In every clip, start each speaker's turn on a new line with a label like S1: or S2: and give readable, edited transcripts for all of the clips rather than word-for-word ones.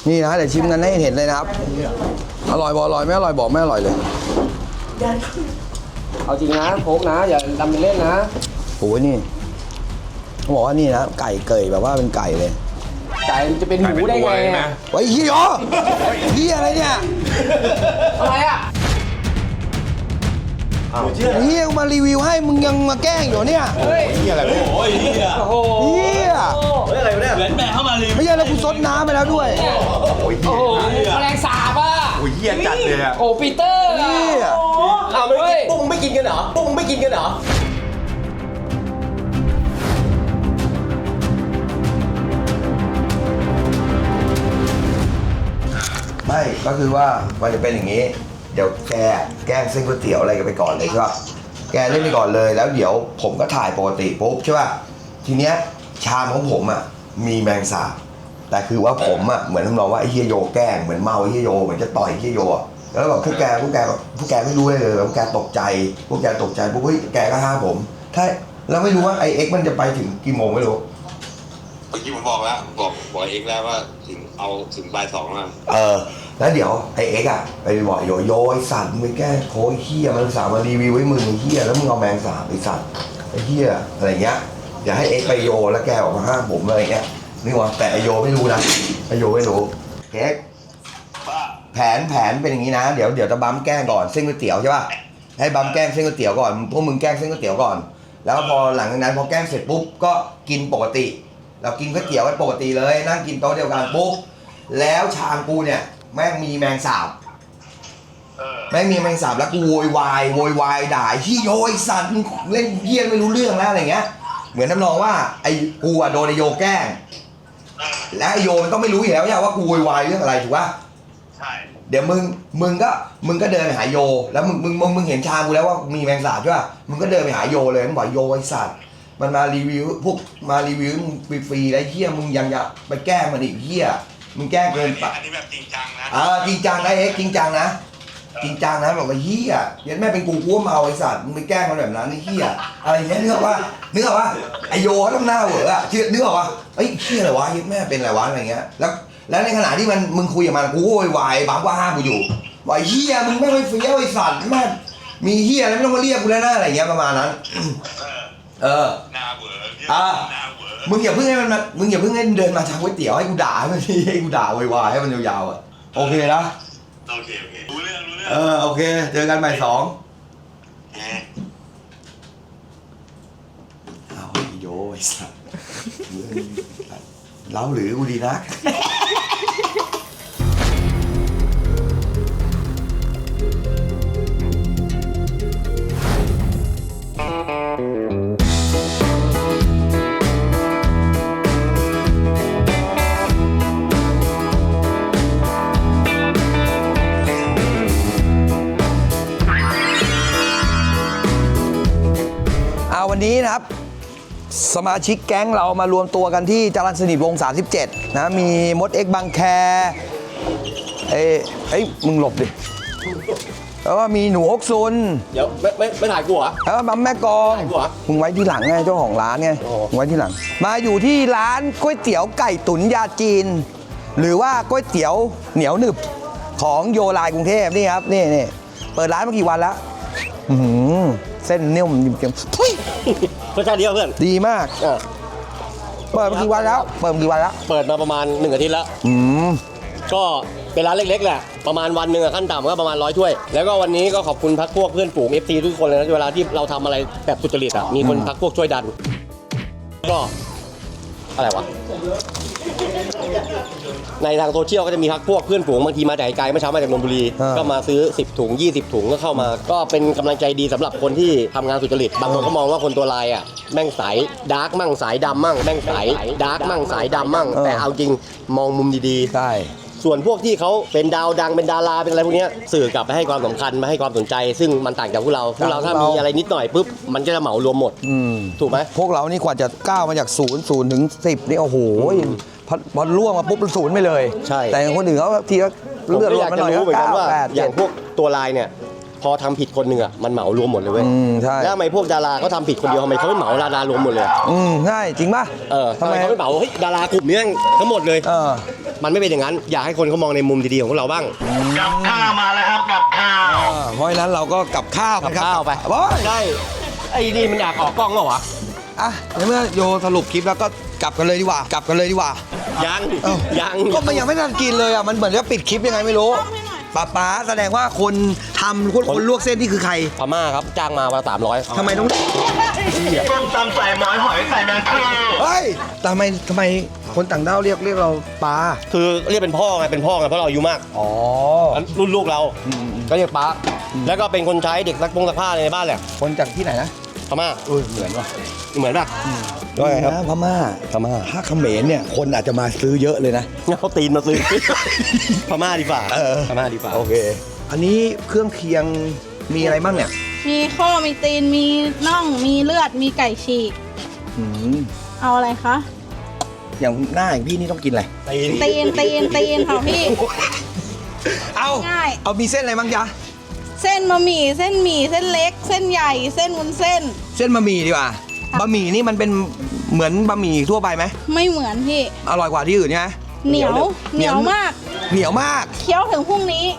S1: นี่นะเดี๋ยวชิมกันให้เห็นเลยนะครับอร่อยบอกอร่อยไม่อร่อยบอกไม่อร่อยเลย
S2: เอาจริงนะโค้กนะอย่าทำเป็นเล่นนะ
S1: โอ้ยนี่เขาบอกว่านี่นะไก่เกยแบบว่าเป็นไก่เลย
S2: ไก่จะเป็นหมูได้ไงนะ
S1: ไอ้เหี้ยเหี้ยอะไรเนี่ย
S2: อะไรอ่ะ
S1: เหี้ยมารีวิวให้มึงยังมาแกล้งอยู่เนี่ย
S3: เฮียอะไรโอ้ยเฮีย
S2: โอ้โห
S1: เหี้ย
S3: อะไรเนี่ยเหมือนแม่เข้ามารีวิว
S1: ไม่ใช่แล้วกูซดน้ำไปแล้วด้วย
S3: โอ้ยเฮีย
S2: แมลงสาบอ่ะ
S3: โอ้ยเฮียจัดเลยอ่ะ
S2: โอ้ปีเตอร์
S1: เหี้ย
S2: เอาไม่พวกมึงไม่กินกันเหรอพวกมึงไม่กินกันเหรอ
S1: ไม่ก็คือว่ามันจะเป็นอย่างนี้เดี๋ยวแกแกล้งเส้นก๋วยเตี๋ยวอะไรกันไปก่อนเลยใช่ป่ะแกเล่นไปก่อนเลยแล้วเดี๋ยวผมก็ถ่ายปกติปุ๊บใช่ป่ะทีเนี้ยชามของผมอ่ะมีแมงสาบแต่คือว่าผมอ่ะเหมือนทำนองว่าไอ้เฮียโยแกล้งเหมือนเมาไอ้เฮียโยเหมือนจะต่อยไอ้เฮียโยแล้วแบบพวกแกไม่รู้เลยพวกแกตกใจพวกแกตกใจปุ๊บเฮ้ยแกก็ห้ามผมถ้าแล้วไม่รู้ว่าไอเอ็กมันจะไปถึงกี่โมงไม่รู้
S4: เมื่อกี้ผมบอกแล้วบอกเอ็กแล้วว่าถึงบ่าย 2แล้ว
S1: แล้วเดี๋ยวไอเอ็กไปบอกโยไอสัตว์มึงไปแก้โค้ยเฮียมันสามารีวิวไว้มึงไอเฮียแล้วมึงเอาแมงสาบไอสัตว์ไอเฮียอะไรเงี้ยอย่าให้เอ็กไปโยแล้วแกออกมาห้ามผมอะไรเงี้ยนี่วะแต่ไอโยไม่รู้นะไอโยไม่รู้เอ็กแผนเป็นอย่างนี้นะเดี๋ยวจะบั๊มแกล้งก่อนเส้นก๋วยเตี๋ยวใช่ป่ะให้บั๊มแกล้งเส้นก๋วยเตี๋ยวก่อนพวกมึงแกล้งเส้นก๋วยเตี๋ยวก่อนแล้วพอหลังจากนั้นพอแกล้งเสร็จปุ๊บก็กินปกติเรากินก๋วยเตี๋ยวกันปกติเลยนั่งกินโต๊ะเดียวกันปุ๊บแล้วชามกูเนี่ยแม่งมีแมงสาบแม่งมีแมงสาบแล้วกูโวยวายด่าที่โยไอสัตว์เล่นเพี้ยนไม่รู้เรื่องแล้วอะไรเงี้ยเหมือนทำนองว่าไอ้กูโดนไอโยแกล้งและไอโยมันต้องไม่รู้อยู่แล้วว่ากูโวยวายเรื่องอะไรถูกป่ะ
S4: ใช่
S1: เดี๋ยวมึงก็เดินไปหาโยแล้วมึงเห็นชามกูแล้วว่ามีแมงสาบใช่ป่ะมึงก็เดินไปหาโยเลยมึงบอกโยไอสัตว์มันมารีวิวพวกมารีวิวฟรีๆไอ้เหี้ยมึงยังจะไปแกล้งมันอีกเหี้ยมึงแกล้งเกินไป
S4: อันนี้แบบจริงจังนะ
S1: จริงจังนะเอ็กจริงจังนะจริงจังนะบอกว่าเหี้ยยันแม่เป็นกูว่าเมาไอ้สัตว์มึงไปแกล้งมันแบบนั้นไอ้เหี้ยอะไรเงี้ยนึกออกว่าไอโยเขาต้องหน้าเหวออะนึกออกว่าไอ้เหี้ยอะไรวะยันแม่เป็นอะไรวะอะไรเงี้ยแล้วในขณะที่มึงคุยกับมันกูโวยวายบังว่าห้ามกูอยู่ว่าเหี้ยมึงไม่เฟี้ยวไอ้สัตว์แม่มีเหี้ยอะไรไม่ต้องมาเรียกกูแล้วนะอะไรเงี้ยประมาณนั้น
S4: หน้าเวอ
S1: มึงอย่าเพิ่งให้เดินมาทางก๋วยเตี๋ยวให้กูด่าให้กูด่าโวยวายให้มันยาวๆอ่ะโอเคนะ
S4: โอเครู้เรื่อง
S1: โอเคเจอกันบ่าย 2เอาไอ้โยไอ้สัสเล้าหรือกูดีนักวันนี้นะครับสมาชิกแก๊งเรามารวมตัวกันที่จรัญสนิทวงศ์37นะมีมดเอ็กบางแคมึงหลบดิแล้วก็มีหนูฮกซุน
S2: เดี๋ยวไม่ถ่ายกูเหรอ
S1: แล้วก็บัมแม่กองมึงไว้ที่หลังไงเจ้าของร้านไงมึงไว้ที่หลังมาอยู่ที่ร้านก๋วยเตี๋ยวไก่ตุ๋นยาจีนหรือว่าก๋วยเตี๋ยวเหนียวหนึบของโยไลน์กรุงเทพนี่ครับนี่เปิดร้านมากี่วันแล้วเส้นนิ่มเค็ม
S2: รสชาติดีเพื่อน
S1: ดีมากเปิดมากี่วันแล้วเปิด
S2: มาประมาณ1 อาทิตย์แล้วก็เป็นร้านเล็กๆแหละประมาณวันหนึ่งขั้นต่ำก็ประมาณ100 ถ้วยแล้วก็วันนี้ก็ขอบคุณพักพวกเพื่อนฝูง FC ทุกคนเลยนะเวลาที่เราทำอะไรแบบสุจริตอ่ะมีคนพักพวกช่วยดันก็อะไรวะในทางโซเชียลก็จะมีพักพวกเพื่อนฝูงบางทีมาจากไกลเมื่อเช้ามาจากนนทบุรีก็มาซื้อ10 ถุง20 ถุงก็เข้ามาก็เป็นกำลังใจดีสำหรับคนที่ทำงานสุจริตบางคนก็มองว่าคนตัวลายอ่ะแม่งสายดาร์กมั่งสายดำมั่งแม่งสายดาร์กมั่งสายดำมั่งแต่เอาจริงมองมุมดีๆใช่ส่วนพวกที่เขาเป็นดาวดังเป็นดาราเป็นอะไรพวกนี้สื่อกลับไปให้ความสำคัญมาให้ความสนใจซึ่งมันต่างจากพวกเราถ้ามีอะไรนิดหน่อยปุ๊บมันก็จะเหมารวมหมดถูกไหม
S1: พวกเรานี่กว่าจะก้าวมาจาก0 ถึง 10นี่โอ้โหพอล่วงมาปุ๊บ0ไปเลย
S2: ใช่
S1: แต่คนอื่นเขาทีก็เลือดร้อนมาหน่อยก็9 8
S2: อย่างพวกตัวลายเนี่ยพอทำผิดคนหนึ่งอ่ะมันเหมารวมหมดเลยเว้ย
S1: ใช่
S2: แล้วทำไมพวกดาราเขาทำผิดคนเดียวทำไมเขาไม่เหมาดารวมหมดเลย
S1: ใช่จริงป่ะ
S2: ทำไมเขาไม่เหมาเฮ้ยดารากลุ่มนี้ทั้งหมดเลยมันไม่เป็นอย่างนั้นอยากให้คนเขามองในมุมดีๆของพวกเราบ้าง
S3: กับข้าวมาแล้วครับกับข้าว
S1: เพราะฉะนั้นเราก็กับข้าวกันครับ
S2: ข้าวไป
S1: บอย
S2: ใช่ไอ้นี่มันอยากออกกล้องเหรอวะ
S1: อ่ะในเมื่อโยสรุปคลิปแล้วก็กลับกันเลยดีกว่ากลับกันเลยดีกว่า
S2: ยัง
S1: เอ้า
S2: ยัง
S1: ก็มันยังไม่ทันกินเลยอ่ะมันเหมือนจะปิดคลิปยังไงไม่รู้ป๊าแสดงว่าคนทำคนลวกเส้นนี่คือใคร
S2: พม่าครับจ้างมาวันละ300
S1: ทำไมต้อง
S3: ต้มตำใส่หมอยหอยใส่แมงคู่
S1: เฮ้ยทำไมคนต่างด้าวเรียกเราปลา
S2: คือเรียกเป็นพ่อไงเป็นพ่อไงเพราะเราอายุมาก
S1: อ๋อ
S2: รุ่นลูกเราก็เรียกป้าแล้วก็เป็นคนใช้เด็กซักผ้าในบ้านแหละ
S1: คนจากที่ไหนนะ
S2: พม่า
S1: เหมือนว่ะ
S2: เหมือนป่ะ
S1: ว่าไงครับพม่า
S2: พม่า
S1: ถ้าเขมรเนี่ยคนอาจจะมาซื้อเยอะเลยนะ
S2: เขาตีนมาซื้อ พม่าดีกว่า พม่าดีกว่า
S1: โอเค อันนี้เครื่องเคียงมีอะไรบ้างเนี่ย
S5: มีข้อมีตีน มีน่อง มีเลือด มีไก่ฉีก
S1: อืม
S5: เอาอะไรคะ
S1: อย่างหน้าอย่างพี่นี่ต้องกินอะไร
S5: ตีนค่ะพี่
S1: เอา
S5: ง่าย
S1: เอามีเส้นอะไรบ้างจ๊ะ
S5: เส้นบะหมี่ เส้นหมี่ เส้นเล็ก เส้นใหญ่ เส้นวุ้นเส้น
S1: เส้นบะหมี่ดีกว่า
S5: ค่ะ
S1: บะหมี่นี่มันเป็นเหมือนบะหมี่ทั่วไปไหม
S5: ไม่เหมือนพี่
S1: อร่อยกว่าที่อื่นใช่ไหม
S5: เหนียว เหนียวมาก
S1: เหนียวมาก
S5: เคี้ยวถึงพรุ่งนี้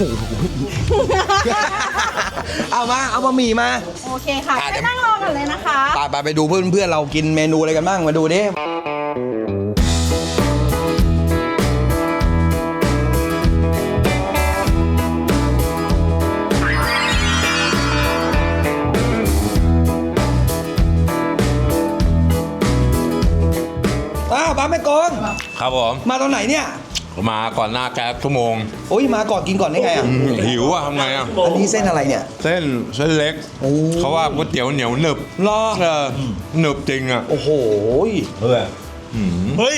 S1: เอามาเอาบะหมี่มา
S5: โอเคค่ะ
S1: อ่ะเดี๋ยว
S5: ไปนั่งรอกันเลยนะคะ
S1: ไปดูเพื่อนเรากินเมนูอะไรกันบ้างมาดูดิบ้าแม่กอง
S6: ครับผม
S1: มาตอนไหนเนี่ย
S6: มาก่อนหน้าแก๊สชั่วโมง
S1: โอ้ยมาก่อนกินก่อนได้ไงอ่ะ
S6: หิวอะทำไงอะ
S1: อันนี้เส้นอะไรเนี่ย
S6: เส้นเล็ก
S1: โอ้
S6: เขาว่าก๋วยเตี๋ยวเหนียวหนึบ
S1: รอ
S6: หนึบจริงอะ
S1: โอ้โห
S3: เฮ้ย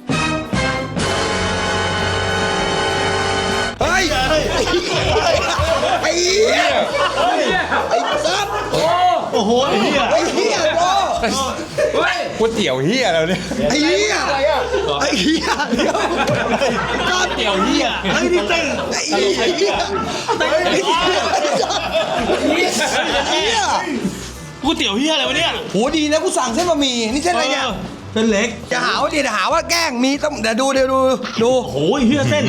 S1: เฮ้ยไอ้เหี้ยไอ้ซับ
S3: โอ้โหไอ้เหี้ย
S1: ไอ้เหี้ยโอ้
S6: ก๋วยเตี๋ยวเฮียแล้วเนี่ย
S1: ไอ้เหี้ยไอ้เหี้ยเดี๋ยวก็
S3: เตี๋ยวเหี้ยไอ้นี่เต้น
S1: ไอ้เหี้ยไอ้เหี้ยไอ้เหี้ย
S3: กูเตี๋ยวเหี้ยอะไรวะเนี่ย
S1: โหดีนะกูสั่งเส้นบะหมี่นี่เส้นอะไรเนี่ย
S3: เส้นเล็ก
S1: จะหาว่าแกล้งมีต้องเดี๋ยวดูดู
S3: โอ้ยเหี้ยเส้น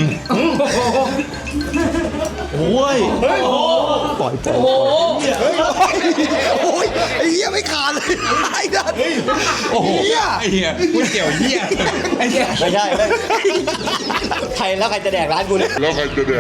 S3: โอ้ยโอ้
S1: ปล่อยโอ้โหโอ้ยไอ้เหี้ยไม่ขาดเลยไอ้ดันโอ้โหเหี้ย
S6: ไอ้เฮียก๋วยเตี๋ยวเฮียไอ้เฮีย
S2: ไม่ใช่ไม่ใครแล้วใครจะแดกร้านกูเนี่ย
S1: เหี้ย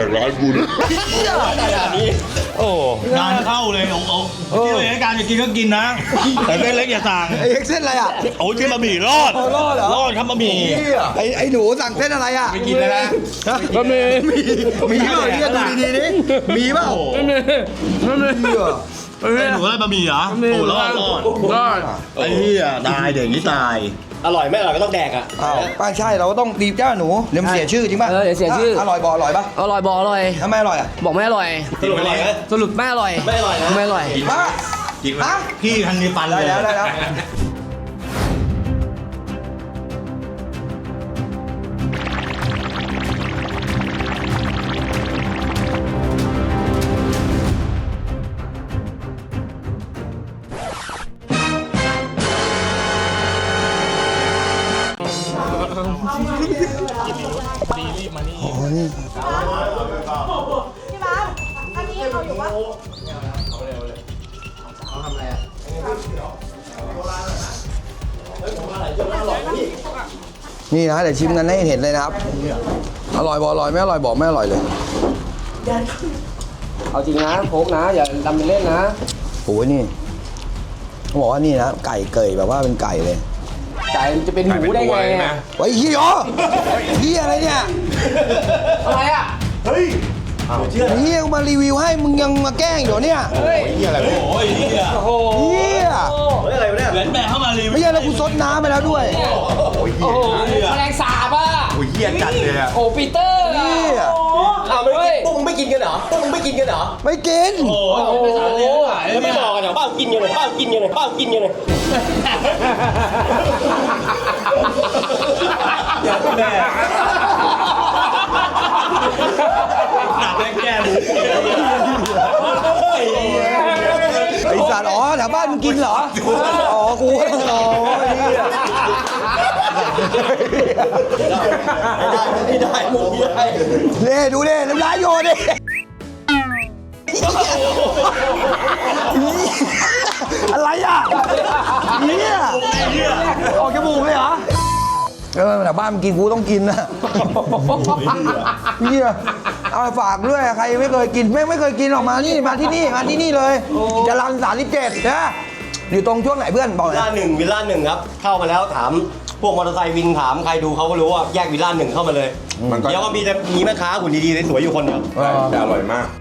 S2: ขนาดนี้โอ้
S3: งานเข้าเลยโอ้ที่เลยการจะกินก็กินนะ แต่เส้นเล็กอย่าสั่ง
S1: ไอ้เอ็กเส้นอะไรอ่ะ
S3: โอ้ยเส้นบะหมี่รอด
S1: รอดเหรอ
S3: รอดครับบะหมี่
S1: ไอ้หนูสั่งเส้นอะไรอ่ะ
S6: ไม่กินแล้วนะ
S1: บะหมี่มีเปล่าเนี่ยดูดีๆนี่มีเปล่ามี
S3: ไอ้หนูได้บะหมี่เหรอโอ้รอดไอ้เหี้ยตายเด็กนี่ตาย
S2: อร่อยไม่อร่อยก็ต้องแดกอ่ะ
S1: อ้าวป้าใช่เราก็ต้องดีบเจ้าหนูเดี๋ยวมันเสียชื่อจริงป่ะ
S7: เดี๋ยวเสียชื่อ
S1: อร่อยบ่อร่อยป่ะ
S7: อร่อยบอกอร่อย
S1: ถ้าไม่อร่อยอ่ะ
S7: บอกไม่อร่อย
S2: สรุปอร่อยไหม
S7: สรุปไม่อร่อย
S2: ไม่อร่อยนะ
S7: ไม่อร่อย
S1: ป้าฮะ
S3: พี่ทันมีฟันเล
S1: ได้
S3: ย
S1: แล้วได้แล้ว
S5: พี่บ้าสอันนี้เอาอยู่ปะ
S1: นี่นะเดี๋ยวชิมกันให้เห็นเลยนะครับ อร่อยบ่อร่อยไม่อร่อยบอกไม่อร่อยเลย
S7: เอาจริงนะโค้กนะ อย่าทำเป็นเล่นนะ
S1: โอ้ยนี่เขาบอกว่านี่นะไก่เกยแบบว่าเป็นไก่เลย
S7: ไก่จะเป็นหมูได้ไงอะ
S1: ไว้เฮียเฮียอะไรเนี่ย
S7: อะไรอ่ะ
S1: เฮียกูมารีวิวให้มึงยังมาแกล้งอยู่เนี่ย
S3: โอ้ยเหี้ย
S1: เฮีย
S2: อะไรวะเนี่ย
S3: เหมือนแม่เข้ามารีวิว
S1: ไม่ใช่แล้วกูซดน้ำไปแล้วด้วย
S7: โอ้โหแมลงสาบอ่ะ
S3: โอ้ยเหี้ยจัดเลยอะ
S7: โอ้ปีเตอร์อะ
S1: เฮีย
S2: อ้าวไม่กินพวกมึงไม่กินกันเหรอพวกมึงไม่กินกันเหรอ
S1: ไม่กิน
S3: โอ้ยไม่สารเลยหาย
S2: แล้วไม่บอกกันเหรอบ้ากินกันเลยบ้ากินกันเลยบ้ากินกันเลย
S3: อย่าแม่หนักแม่แก้หมู
S1: ไอสัตว์อ๋อแถวบ้านมึงกินเหรอ อ๋อกูอ๋อเฮีย
S2: ไม่ได้มุกไม่ได้
S1: เน่ดูเน่น้ำลายโยนดิอะไรอ่ะเนี่ยออกจมูกเลยเหรอแต่บ้านมันกินกูต้องกินนะเนี่ยเอาไปฝากด้วยใครไม่เคยกินไม่เคยกินออกมานี่มาที่นี่เลยจรัญ37นะอยู่ตรงช่วงไหนเพื่อนบอกหน่อย
S2: วิลล่าหนึ่งครับ เข้ามาแล้วถามพวกมอเตอร์ไซค์วินถามใครดูเขาก็รู้ว่าแยกวิลล่าหนึ่งเข้ามาเลยเดี๋ยวก็มีแม่ค้าหุ่นดีๆสวยๆอยู่คนเดียว
S6: แต่อร่อยมาก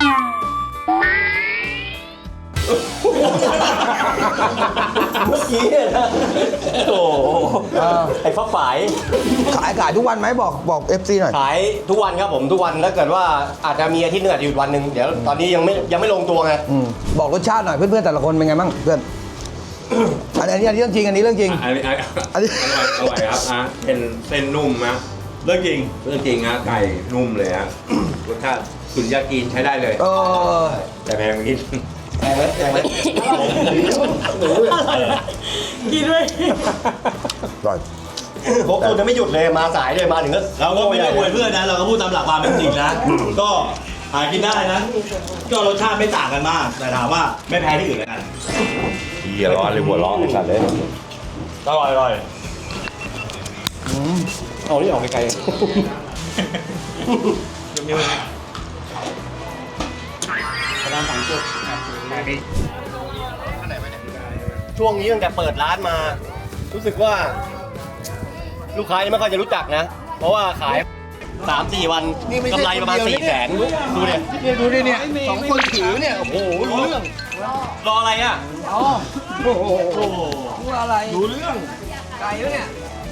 S2: เมื่อกี้นะโอ้ไอ้ฟ้าฝาย
S1: ขายทุกวันไหมบอก FC หน่อย
S2: ขายทุกวันครับผมทุกวันถ้าเกิดว่าอาจจะมีอาทิตย์หนึงอาจจะหยุดวันหนึ่งเดี๋ยวตอนนี้ยังไม่ลงตัวไง
S1: บอกรสชาติหน่อยเพื่อนๆแต่ละคนเป็นไงบ้างเพื่อนอันนี้เรื่องจริงอันนี้เรื่องจริง
S6: อันนี้อร่อยครับเป็นเส้นนุ่มนะ
S3: เรื่องจริง
S6: เรื่องจริงนะไก่นุ่มเลยฮะรสชาติสุดยอดกินใช้ได้เลย แต่แพงนิด
S2: แพงไหม
S3: กินด้วย
S1: อร่อย
S2: พวกคุณจะไม่หยุดเลยมาสายเลยมาถึงก็
S3: เราก็ไม่ได้อวยเพื่อนนะ เราก็พูดตามหลักความเป็นจริงนะ ก็หากินได้นะ ก็รสชาติไม่ต่างกันมาก แต่ถามว่าไม่แพ้ที่อื่นแล้วกัน
S6: เหี้ยร้อนเลยหัวร้อนไอ้สัตว์เลย
S3: อร่อยอร่อย
S2: เอาที่ออกไกลช่วงนี้ตั้งแต่เปิดร้านมา รู้สึกว่า ลูกค้ายังไม่ค่อยจะรู้จักนะ เพราะว่าขาย 3-4 วันกำไรประมาณ 400,000 ดูเนี่ย
S7: ดูดิเนี่ยสองคนถือเนี่ย โอ้โหรู้เรื่อง
S2: รออะไรอ่ะ
S7: รู้อะไรรู้เรื่องไก่แล้วเนี่ย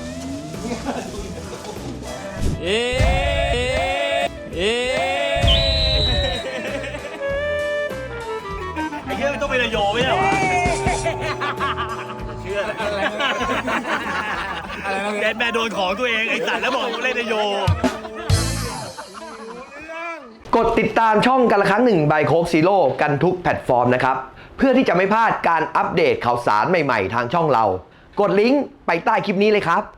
S3: ไอ้เหี้ยไม่ต้องเป็นนายโยไม่ใช่เหรอเชื่อแกแม่โดนของตัวเองไอ้สัตว์แล้วบอกกูเล่นนายโย
S8: กดติดตามช่องกันละครั้งหนึ่งบายโคกซีโร่กันทุกแพลตฟอร์มนะครับ เพื่อที่จะไม่พลาดการอัปเดตข่าวสารใหม่ๆทางช่องเรา กดลิงก์ไปใต้คลิปนี้เลยครับ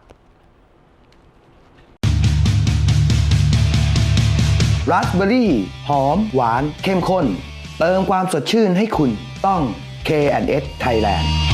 S8: ราสเบอร์รี่หอม หวาน เข้มข้น เติมความสดชื่นให้คุณต้อง K&S Thailand